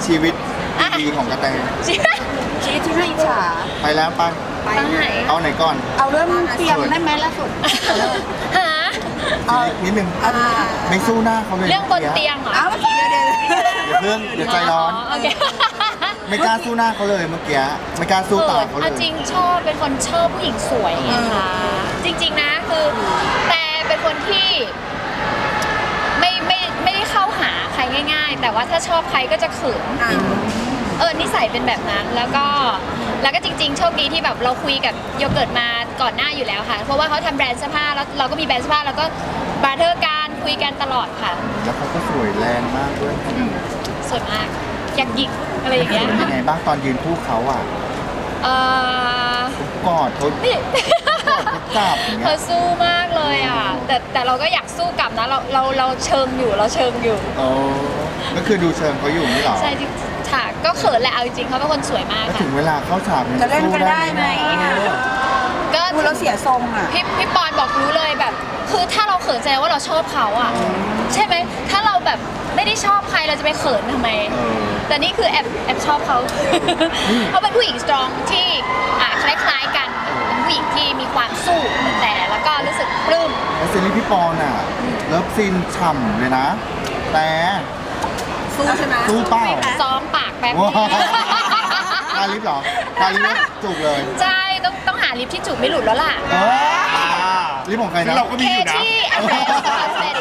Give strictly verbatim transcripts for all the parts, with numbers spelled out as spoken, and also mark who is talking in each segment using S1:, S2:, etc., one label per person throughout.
S1: ชีวิตดีของกระแต
S2: ชีวิตที่น่าอิจฉา
S1: ไปแล้วไป
S2: ไปไหน
S1: เอาไหนก่อน
S2: เอาเรื่องเตียงได้ไหมล่าสุด
S3: หา
S1: ทีนี้นิดนึงไม่สู้หน้าเขาเลย
S3: เรื่องบนเตียงเหรอ
S2: เอาเดี๋ยวเดี๋ยว
S1: เดี๋ยวเพิ่งเดี๋ยวใจร้อน
S3: โอเค
S1: ไม่กล้าสู้หน้าเขาเลยเมื่อกี้ไม่กล้าสู้ตาเขาเล
S3: เอา
S1: ย
S3: จริงชอบเป็นคนชอบผู้หญิงสวยไงคะจริง ๆนะคือแต่เป็นคนที่ไม่ไม่ไม่ได้เข้าหาใครง่าย ๆ แต่ว่าถ้าชอบใครก็จะเขินเออนิสัยเป็นแบบนั้นแล้วก็แล้วก็จริง ๆ โชคดีที่แบบเราคุยกับโยเกิร์ตมาก่อนหน้าอยู่แล้วค่ะเพราะว่าเขาทำแบรนด์เสื้อผ้าแล้วเราก็มีแบรนด์เสื้อผ้าแล้วก็บาร์เทอร์การคุยกันตลอดค่ะ
S1: แล้วเขาก็สวยแรงมากด้วย
S3: สวยมากอยากหยิกอะไรอย่างเงี้ย
S1: เป็นยังไงบ้างตอนยืนคู่เขาอ่ะ
S3: เออก
S1: อดเขา
S3: นี่
S1: กอดเขาจับอย่าง
S3: เธ
S1: เงี้
S3: อย สู้มากเลยอ่ะแต่แต่เราก็อยากสู้กลับนะเราเราเราเชิงอยู่เราเชิงอยู่
S1: โอ้ก็คือดูเชิงเขาอยู่นี่หรอ
S3: ใช่จริงๆค่ะก็เขินแหละเอาจริงๆเขาเป็นคนสวยมาก
S1: แล้ว
S3: ค่ะ
S1: ถึงเวลาเข้าฉากเนี่ย
S2: จะเล่นกันได้ไหม
S3: ก็
S2: พูดแล้วเสียทรงอ่ะ
S3: พี่พี่ปอนบอกรู้เลยแบบ คือถ้าเราเขินแสดงว่าเราชอบเขาอ่ะใช่ไหมถ้าเราแบบไม่ได้ชอบใครเราจะไปเขินทำไม
S1: เออ
S3: แต่นี่คือแอบแอบชอบเขา เขาเป็นผู้หญิงสตรองที่อ่าคล้ายๆกันเป็นผู้หญิงที่มีความสู้แต่แล้วก็รู้สึกปลื้ม
S1: แล้วซีรีส์พี่ปอนอ่ะเลิฟซีนฉ่ำเลยนะ แต่
S2: สู้ใช่ไหม
S1: สู้เป้า
S3: ซ้อมปากแป๊บ
S1: ว้า
S3: นึง
S1: ทาลิปเหรอทาลิปแล้วจูบเลย
S3: ใช่ต้องต้องหาลิปที่จูบไม่หลุดแล้วล่ะ
S1: เออลิปของใครนะ
S4: เราก็มี
S3: เค
S4: อยู่นะ
S3: ที่แอสเซสแอสเซส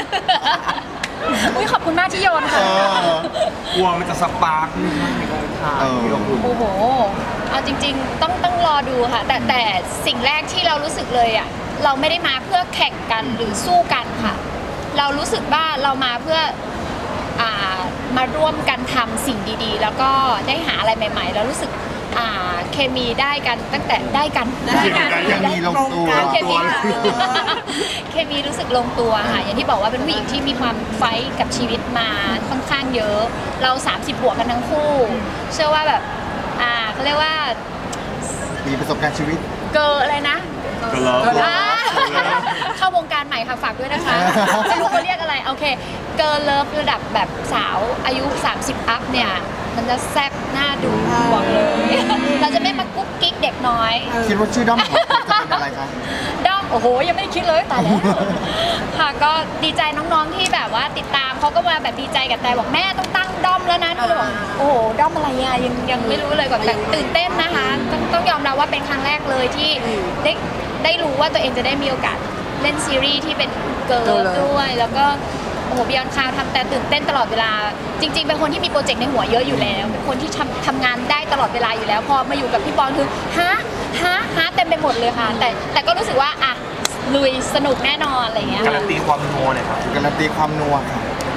S3: อุ้ยขอบคุณมากที่โยน
S1: เอ
S3: ค่ะ
S1: อก
S4: ลัวมันจะสปาร์กในการถ่าย
S1: เออ
S4: ที่เราคุณ
S3: โอ้โหเอาจริง ๆ ต้องต้องรอดูค่ะ แต่แต่สิ่งแรกที่เรารู้สึกเลยอ่ะเราไม่ได้มาเพื่อแข่งกันหรือสู้กันค่ะ เรารู้สึกว่าเรามาเพื่ออ่ามาร่วมกันทำสิ่งดีๆ แล้วก็ได้หาอะไรใหม่ๆ แล้วรู้สึกอ่าเคมีได้กันตั้งแต่ได้กัน
S1: ได้กันยังมีลงตัว
S3: เคมีเคมีรู้สึกลงตัวค่ะอย่างที่บอกว่าเป็นผู้หญิงที่มีความไฟท์กับชีวิตมาค่อนข้างเยอะ เราสามสิบบวกกันทั้งคู่ เชื่อว่าแบบอ่าเขาเรียกว่า
S1: มีประสบการณ์ชีวิต
S3: เกิร์อะไรนะ
S4: ก็เลิฟ
S3: อ่าเข้าวงการใหม่ค่ะฝากด้วยนะคะไม่รู้เขาเรียกอะไรโอเคเกิร์เลิฟระดับแบบสาวอายุ สามสิบ อัพเนี่ยมันจะแซ่บหน้าดูบอกเลย เราจะไม่มากุ๊กกิ๊กเด็กน้อย
S1: คิดว่าชื่อด้อมของจะเป็นอะไรคะ
S3: ด้อมโอ้โหยังไม่ได้คิดเลยตายแล้ว ค่ะก็ดีใจน้องๆที่แบบว่าติดตามเขาก็มาแบบดีใจกับแต่บอกแม่ต้องตั้งด้อมแล้วนะหนูเลยบอกโอ้โหด้อมอะไรอ่ะยังยังไม่รู้เลยก่อนแต่ตื่นเต้นนะคะต้องต้องยอมรับว่าเป็นครั้งแรกเลยที่ได้ได้รู้ว่าตัวเองจะได้มีโอกาสเล่นซีรีส์ที่เป็นเกิร์ลด้วยแล้วก็โอ้โหบิยอนคาวทำแต่ตื่นเต้นตลอดเวลา จริง ๆ เป็นคนที่มีโปรเจกต์ในหัวเยอะอยู่แล้วเป็นคนที่ทำทำงานได้ตลอดเวลาอยู่แล้ว พอมาอยู่กับพี่ปอนคือฮะฮะฮะเต็มไปหมดเลยค่ะ แต่แต่ก็รู้สึกว่าอ่ะลุยสนุกแน่นอนอะไรอย่างเงี้ย
S4: การันตีความโมเลยครับ
S1: การันตีความนัวค่ะ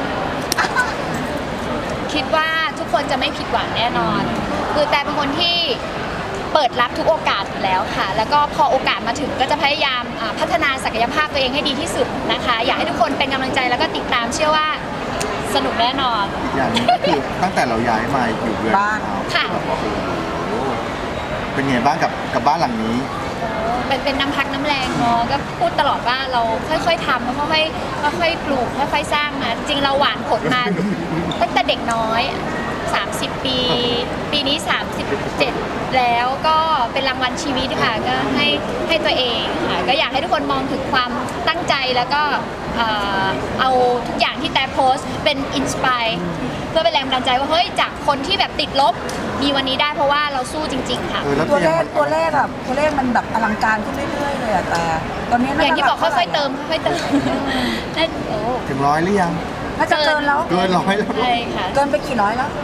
S3: คิดว่าทุกคนจะไม่ผิดหวังแน่นอน คือแต่เป็นคนที่เปิดรับทุกโอกาสอยู่แล้วค่ะ แล้วก็พอโอกาสมาถึงก็จะพยายามอ่าพัฒนาศักยภาพตัวเองให้ดีที่สุดนะคะ อยากให้ทุกคนเป็นกำลังใจแล้วก็ติดตามเชื่อว่าสนุกแน่นอน
S1: อีกอย่างหนึงก็คือตั้งแต่เราย้ายมาอยู่เรือน
S2: บ้าน
S3: ค่ะ
S1: แบบว่าโอ้โหเป็นไงบ้างกับกับบ้านหลังนี้
S3: เป็นเป็นน้ำพักน้ำแรงเนาะก็พูดตลอดว่าเราค่อยๆทำแล้วค่อยๆค่อยๆปลูกค่อยๆสร้างมาจริงเราหวานผลมา ตั้งแต่เด็กน้อยสามสิบ ปี ปีนี้ สามสิบเจ็ด แล้วก็เป็นรางวัลชีวิตค่ะก็ให้ให้ตัวเองค่ะก็อยากให้ทุกคนมองถึงความตั้งใจแล้วก็เอ่อเอาทุกอย่างที่แต่โพสต์เป็นอินสปายเพื่อเป็นแรงบันดาลใจว่าเฮ้ยจากคนที่แบบติดลบมีวันนี้ได้เพราะว่าเราสู้จริง ๆ ค่ะ
S1: เออแล้ว
S2: ตัวเล
S1: ตียง
S2: ข
S1: มัน
S2: ตัวเลขแบบตัวเลขมันแบบอลังการขึ้นเรื่อยๆเลยอะแต่ตอนนี้น่
S3: อย่างที่บอก
S2: จะ
S3: ค่อยๆเติมค่อยๆเติมนั่นโอ้
S1: ถึงร้อยหรือยัง
S2: น่าจะเกินแล้ว
S1: เกินร้อยแล้ว
S3: ใช่ค่ะ
S2: เกินไปกี่ร้อยแล้ว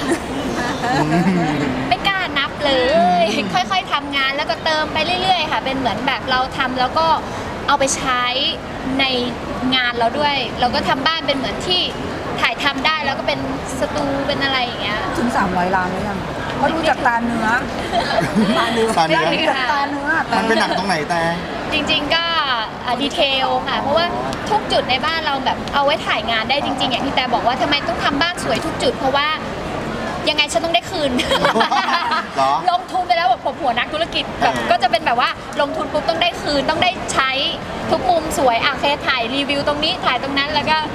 S3: ไม่กล้านับเลย ค่อยๆทำงานแล้วก็เติมไปเรื่อยๆค่ะ เป็นเหมือนแบบเราทำแล้วก็เอาไปใช้ในงานเราด้วย เราก็ทำบ้านเป็นเหมือนที่ถ่ายทำได้แล้วก็เป็นสตูเป็นอะไรอย่างเงี้ย
S2: ถึงสามร้อยล้านหรือยังเพราะดูจากตาเนื้อตาเนื้อ
S1: ตาเนื้อ
S2: ดูจากตาเนื้อแต่
S1: มันเป็นหนักตรงไหนแต่
S3: จริงๆก็ดีเทลค่ะ เพราะว่าทุกจุดในบ้านเราแบบเอาไว้ถ่ายงานได้จริง ๆ อย่างที่แต่บอกว่าทำไมต้องทำบ้านสวยทุกจุด เพราะว่ายังไงฉันต้องได้คืน
S1: เหรอ
S3: ลงทุนไปแล้วแบบผมหัวนักธุรกิจแบบก็จะเป็นแบบว่าลงทุนปุ๊บต้องได้คืนต้องได้ใช้ทุกมุมสวยอ่ะเคถ่ายรีวิวตรงนี้ถ่ายตรงนั้นแล้วก็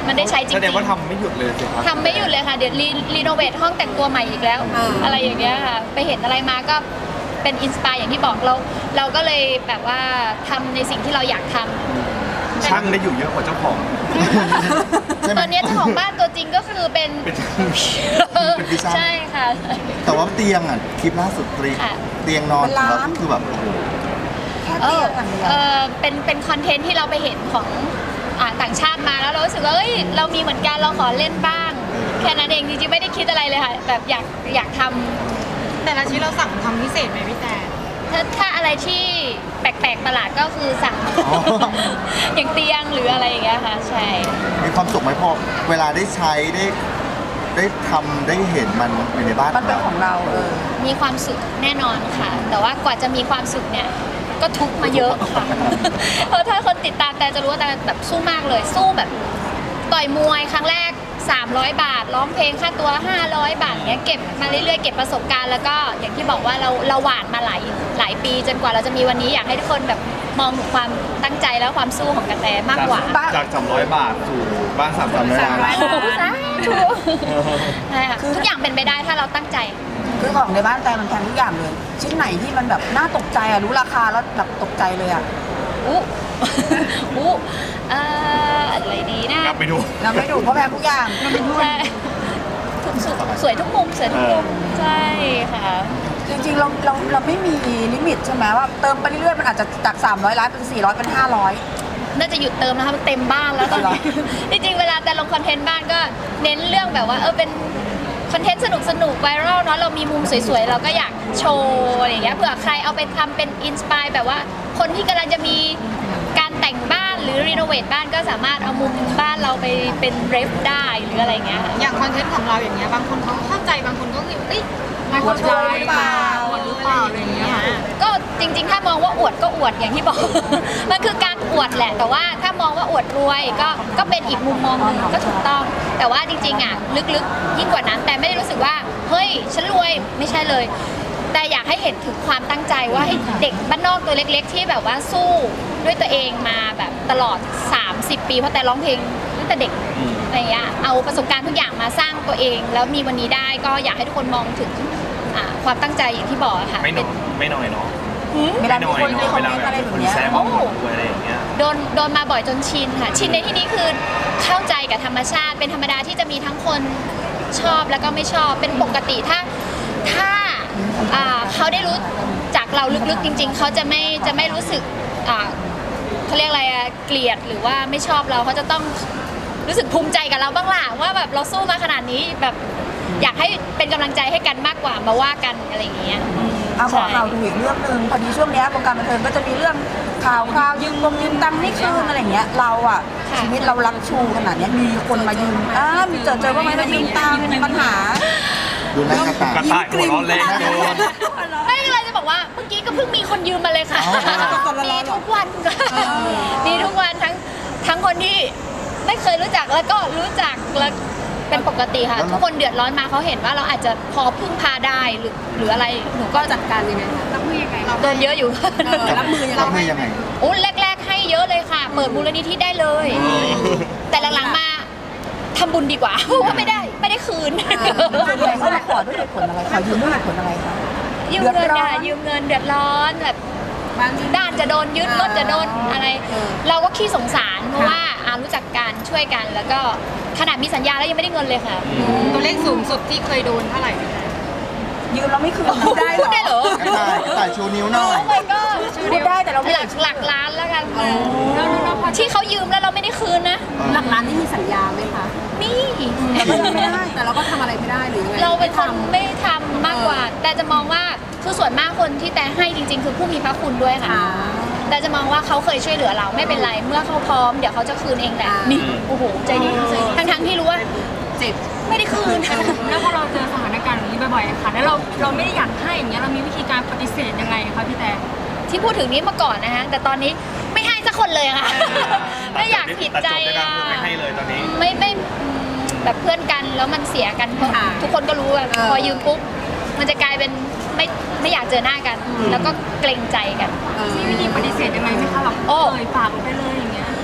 S3: มันได้ใช้จริ
S4: แส
S3: ง
S4: ดงว่าทำไม่หยุดเลยสิครับ
S3: ๆทำไม่หยุดเลยค่ะเดี๋ยวรีรีโนเวทห้องแต่งตัวใหม่อีกแล้ว อะไรอย่างเงี้ยค่ะไปเห็นอะไรมาก็เป็นอินสปายอย่างที่บอกเราเราก็เลยแบบว่าทำในสิ่งที่เราอยากทำ
S4: ช่างได้อยู่เยอะกว่าเจ้าของ
S1: ใช่ไหม
S3: ตอนนี้เจ้าของบ้านตัวจริงก็คือเป็น
S4: เป็น
S1: เป็นพี่ช่าง
S3: ใช่ค่ะ
S1: แต่ว่าเตียงอ่ะคลิปล่าสุดตรี
S3: ค่ะ
S1: เตียงนอน
S2: เป็นล้าน
S1: เราคือแบบโอ้โห
S2: แค่
S3: เอ
S2: เตีย
S3: อง
S2: อย่างเดียว
S3: เออเป็นเป็นคอนเทนต์ที่เราไปเห็นของอ่าต่างชาติมาแล้วเรารู้สึกว่าเอ้ยเรามีเหมือนกันเราขอเล่นบ้าง แค่นั้นเองจริงๆไม่ได้คิดอะไรเลยค่ะแบบอยากอยากทำ
S5: แต่ละชิ้นเราสั่งทำพิเศษไหมพี่แต่
S3: ถ้าถ้าอะไรที่แปลกๆประหลาดก็คือสั่ง อย่างเตียงหรืออะไรอย่างเงี้ยค่ะใช่
S1: มีความสุขไหมพอเวลาได้ใช้ได้ได้ทำได้เห็นมันอยู่ในบ้าน
S2: มันเป็นของเราเออ
S3: มีความสุขแน่นอนค่ะ แต่ว่ากว่าจะมีความสุขเนี่ยก็ทุกข์มาเยอะค่ะ เพราะถ้าคนติดตามแต่จะรู้ว่าแต่แบบสู้มากเลย สู้แบบต่อยมวยครั้งแรกสามร้อยบาทร้องเพลงค่าตัวห้าร้อยบาทเนี้ยเก็บมาเรื่อยๆเก็บประสบการณ์แล้วก็อย่างที่บอกว่าเราเราหวานมาหลายหลายปีจนกว่าเราจะมีวันนี้อยากให้ทุกคนแบบมองถึงความตั้งใจและความสู้ของกระแตมากกว่า
S2: บ้าน
S4: จากสามร้อยบาทสู่บ้านสามร้อย
S1: สามร้
S4: บา
S1: อย
S4: ท
S3: โอ้โหสาธุใช่ค่ะทุกอย่างเป็นไปได้ถ้าเราตั้งใจ
S2: คือของในบ้านแต่มันแพงทุกอย่างเลย ชิ้นไหนที่มันแบบน่าตกใจอ่ะรู้ราคาแล้วแบบตกใจเลยอ่ะ
S3: อู้ อู้เอ่ออะไรดีนะ
S4: กลับไปดู
S2: เราไม่ดูเพราะแพงทุกอย่าง
S3: ใช่ทุกสุดสวยทุกมุมสวยทุกมุมใช่ค่ะ
S2: จริงๆเราเราเราไม่มีลิมิตใช่ไหมว่าเติมไปเรื่อยๆมันอาจจะจากสามร้อยล้านเป็นสี่ร้อยเป็นห้าร้อย
S3: น่าจะหยุดเติมนะคะมันเต็มบ้านแล้วตอนนี้ จริงๆ เวลาแต่ลงคอนเทนต์บ้านก็เน้นเรื่องแบบว่าเออเป็นคอนเทนต์สนุกสนุกไวรัลเนาะเรามีมุมสวยๆ เราก็อยากโชว์อะไรอย่างเงี้ยเผื่อใครเอาไปทำเป็นอินสปายแบบว่าคนที่กำลังจะมีการแต่งบ้านหรือรีโนเวทบ้านก็สามารถเอามุมบ้านเราไปเป็นเรฟได้หรืออะไรเงี้ยค่ะ
S5: อย่างคอนเทนต์ของเราอย่างเงี้ยบางคนเขาเข้าใจบางคนก็คือเอ้ยไม่เข้าใจ
S2: หรือเปล่า
S5: อวดหรือเปล่าอะไรอย่างเงี้ย
S3: ก็จริงๆ ถ้ามองว่าอวดก็อวดอย่างที่บอก มันคือการอวดแหละ แต่ว่าถ้ามองว่าอวดรวยก็ก็เป็นอีกมุมมองหนึ่งก็ถูกต้อง แต่ว่าจริงๆอ่ะลึกๆ ยิ่งกว่านั้น แต่ไม่ได้รู้สึกว่าเฮ้ยฉันรวยไม่ใช่เลย แต่อยากให้เห็นถึงความตั้งใจว่าให้เด็กบ้านนอกตัวเล็กๆ ที่แบบว่าสู้ด้วยตัวเองมาแบบตลอดสามสิบปีเพราะแต่ร้องเพลงตั้งแต่เด็กอะไรอย่างเงี้ยเอาประสบการณ์ทุกอย่างมาสร้างตัวเอง แล้วมีวันนี้ได้ก็อยากให้ทุกคนมองถึงอ่าความตั้งใจอย่างที่บอกอะค่ะ
S4: ไม่น้อยไม่น้อยเนาะ
S2: เวลา
S4: ไม่
S2: มี
S4: น้อย
S2: คนมี
S4: เนาะ
S2: คอ
S4: เว
S2: ม
S4: ลา
S2: เมนต์
S4: แบ
S2: อะไร
S4: บ
S2: แบบ
S4: คน
S2: เนี้ย
S4: แซวมาหมดด้วยอะไรอย่างเงี้ย
S3: โดนโดนมาบ่อยจนชินค่ะ ชินในที่นี้คือเข้าใจกับธรรมชาติ เป็นธรรมดาที่จะมีทั้งคนชอบแล้วก็ไม่ชอบเป็นปกติถ้าถ้าอ่าเขาได้รู้จากเราลึกๆจริง ๆ เขาจะไม่จะไม่รู้สึกอ่าเขาเรียกอะไรอะเกลียดหรือว่าไม่ชอบเราเขาจะต้องรู้สึกภูมิใจกับเราบ้างล่ะว่าแบบเราสู้มาขนาดนี้แบบอยากให้เป็นกำลังใจให้กันมากกว่ามาว่ากันอะไรอย่างเงี้ย
S2: เอาขอข่าวดูอีกเรื่องหนึ่งพอดีช่วงเนี้ยวงการบันเทิงก็จะมีเรื่องข่าวคราวยืมกงยืมตังค์ไม่คืนอะไรอย่างเงี้ยเราอ่ะ
S3: ค่ะ
S2: ชีวิตเรารักชูขนาดเนี้ยมีคนมายืมอ่ามีเจอเจอว่าไหมมายืมตังค์มีปัญหา
S1: ดูหน้ากระต่าย
S4: กระต่ายหัวเร้อนแรงโดน
S3: ไม่เป็นไรจะบอกว่าเมื่อกี้ก็เพิ่งมีคนยืมมาเลยค่ะ
S1: อ๋อ
S3: มีทุกวันค่ะมีทุกวันทั้งทั้งคนที่ไม่เคยรู้จักแล้วก็รู้จักแล้วเป็นปกติค่ะ ทุกคนเดือดร้อนมาเขาเห็นว่าเราอาจจะพอพึ่งพาได้หรือหรืออะไรหนูก็จัดการยังไงคะรับมือยังไงโดนเยอะอยู่
S2: รับมือยังไง
S1: รับมือยังไง
S3: อุ้นแรก ๆ ให้เยอะเลยค่ะ เปิดมูลนิธิได้เลย แต่หลังๆมาทำบุญดีกว่าเพราะว่าไม่ได้ไม่ได้คืน
S2: ส่วนใหญ่เขามาขอด้วยเหตุผลอะไรขอยืมด้วยเหตุผลอะไรคะ
S3: ยืมเงิน
S2: เดือดร้อ
S3: ค่ะ
S2: น
S3: ยืมเงินเดือดร้อนแบบด้านจะโดนยึดรถจะโดนอะไร เราก็ขี้สงสารเพราะว่าอ่ารู้จักกันช่วยกัน แล้วก็ขนาดมีสัญญาแล้วยังไม่ได้เงินเลยค่ะ
S5: ตัวเลขสูงสุดที่เคยโดนเท่าไหร่พี่แต่
S2: ยืมเราไม่คืนได้เหร
S3: พูดได้เหร
S2: อ
S3: อ
S1: กระต่ายกระต่ายชูนิ้วหน่อย
S3: โอ้ my god
S2: พูดได้แต่เราไม่
S3: หลักหลักล้านแล้วกันที่เขายืมแล้วเราไม่ได้คืนนะ
S2: หลักล้านนี่มีสัญญาไหมคะ
S3: มี
S2: แต่ก็ยังไม่ได้แต่เราก็ทำอะไรไม่ได้หรือยังไง
S3: เราเป็นคนไม่ทำมากกว่า แต่จะมองว่าคือส่วนมากคนที่แต่ให้จริง ๆ คือผู้มีพระคุณด้วยค่ะ แต่จะมองว่าเขาเคยช่วยเหลือเราไม่เป็นไร เมื่อเขาพร้อมเดี๋ยวเขาจะคืนเองแหละนี่โอ้โหใจดีทั้งทั้งๆที่รู้ว่า
S2: เจ็บ
S3: ไม่ได้คืน
S5: แล้วพอเราเจอสถานการณ์แบบนี้บ่อยๆค่ะแล้วเราเราไม่ได้อยากให้อย่างเงี้ยเรามีวิธีการปฏิเสธยังไงคะพี่แต่
S3: ที่พูดถึงนี้มาก่อนนะฮะแต่ตอนนี้ไม่ให้สักคนเลยค่ะ ไม่อยากผิดใจ
S4: ตัดจบด้วยกั
S3: อ่ะ
S4: นไม่ให้เลยตอนนี้
S3: ไม่ไม่อืมแบบเพื่อนกันแล้วมันเสียกันเพราะทุกคนก็รู้ว่าพอยืมปุ๊บมันจะกลายเป็นไม่ไม่อยากเจอหน้ากัน แล้วก็เกรงใจกัน
S5: มีวิธีปฏิเสธยังไงไหมคะแบบ
S3: โอ้
S5: เอ่ยปากออกไปเลยอย่างเงี้ย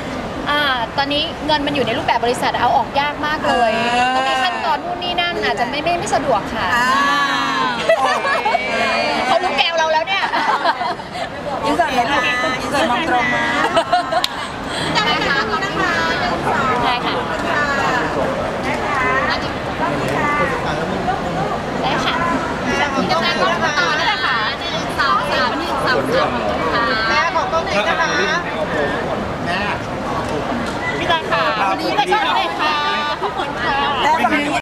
S3: อ่าตอนนี้เงินมันอยู่ในรูปแบบบริษัทเอาออกยากมากเลยต้องมีขั้นตอนนู่นนี่นั่นอาจจะไม่ไม่ไม่สะดวกค่ะ
S2: อ่า
S3: เขารู้แกวเราแล้วเนี่ย
S2: ยินเสิร์ตเลยค่ะยินเสิร์ตมองตรงนะ
S3: ได้ค่ะได้ค่ะได้ค่ะพี่กำลังก็ต่อได้เลยค่ะสองสามสามสามค่ะแม่ของกล้องไหนนะคะ
S1: แม่
S3: พี่ตาค่ะวันนี้ก็ได้ค่ะ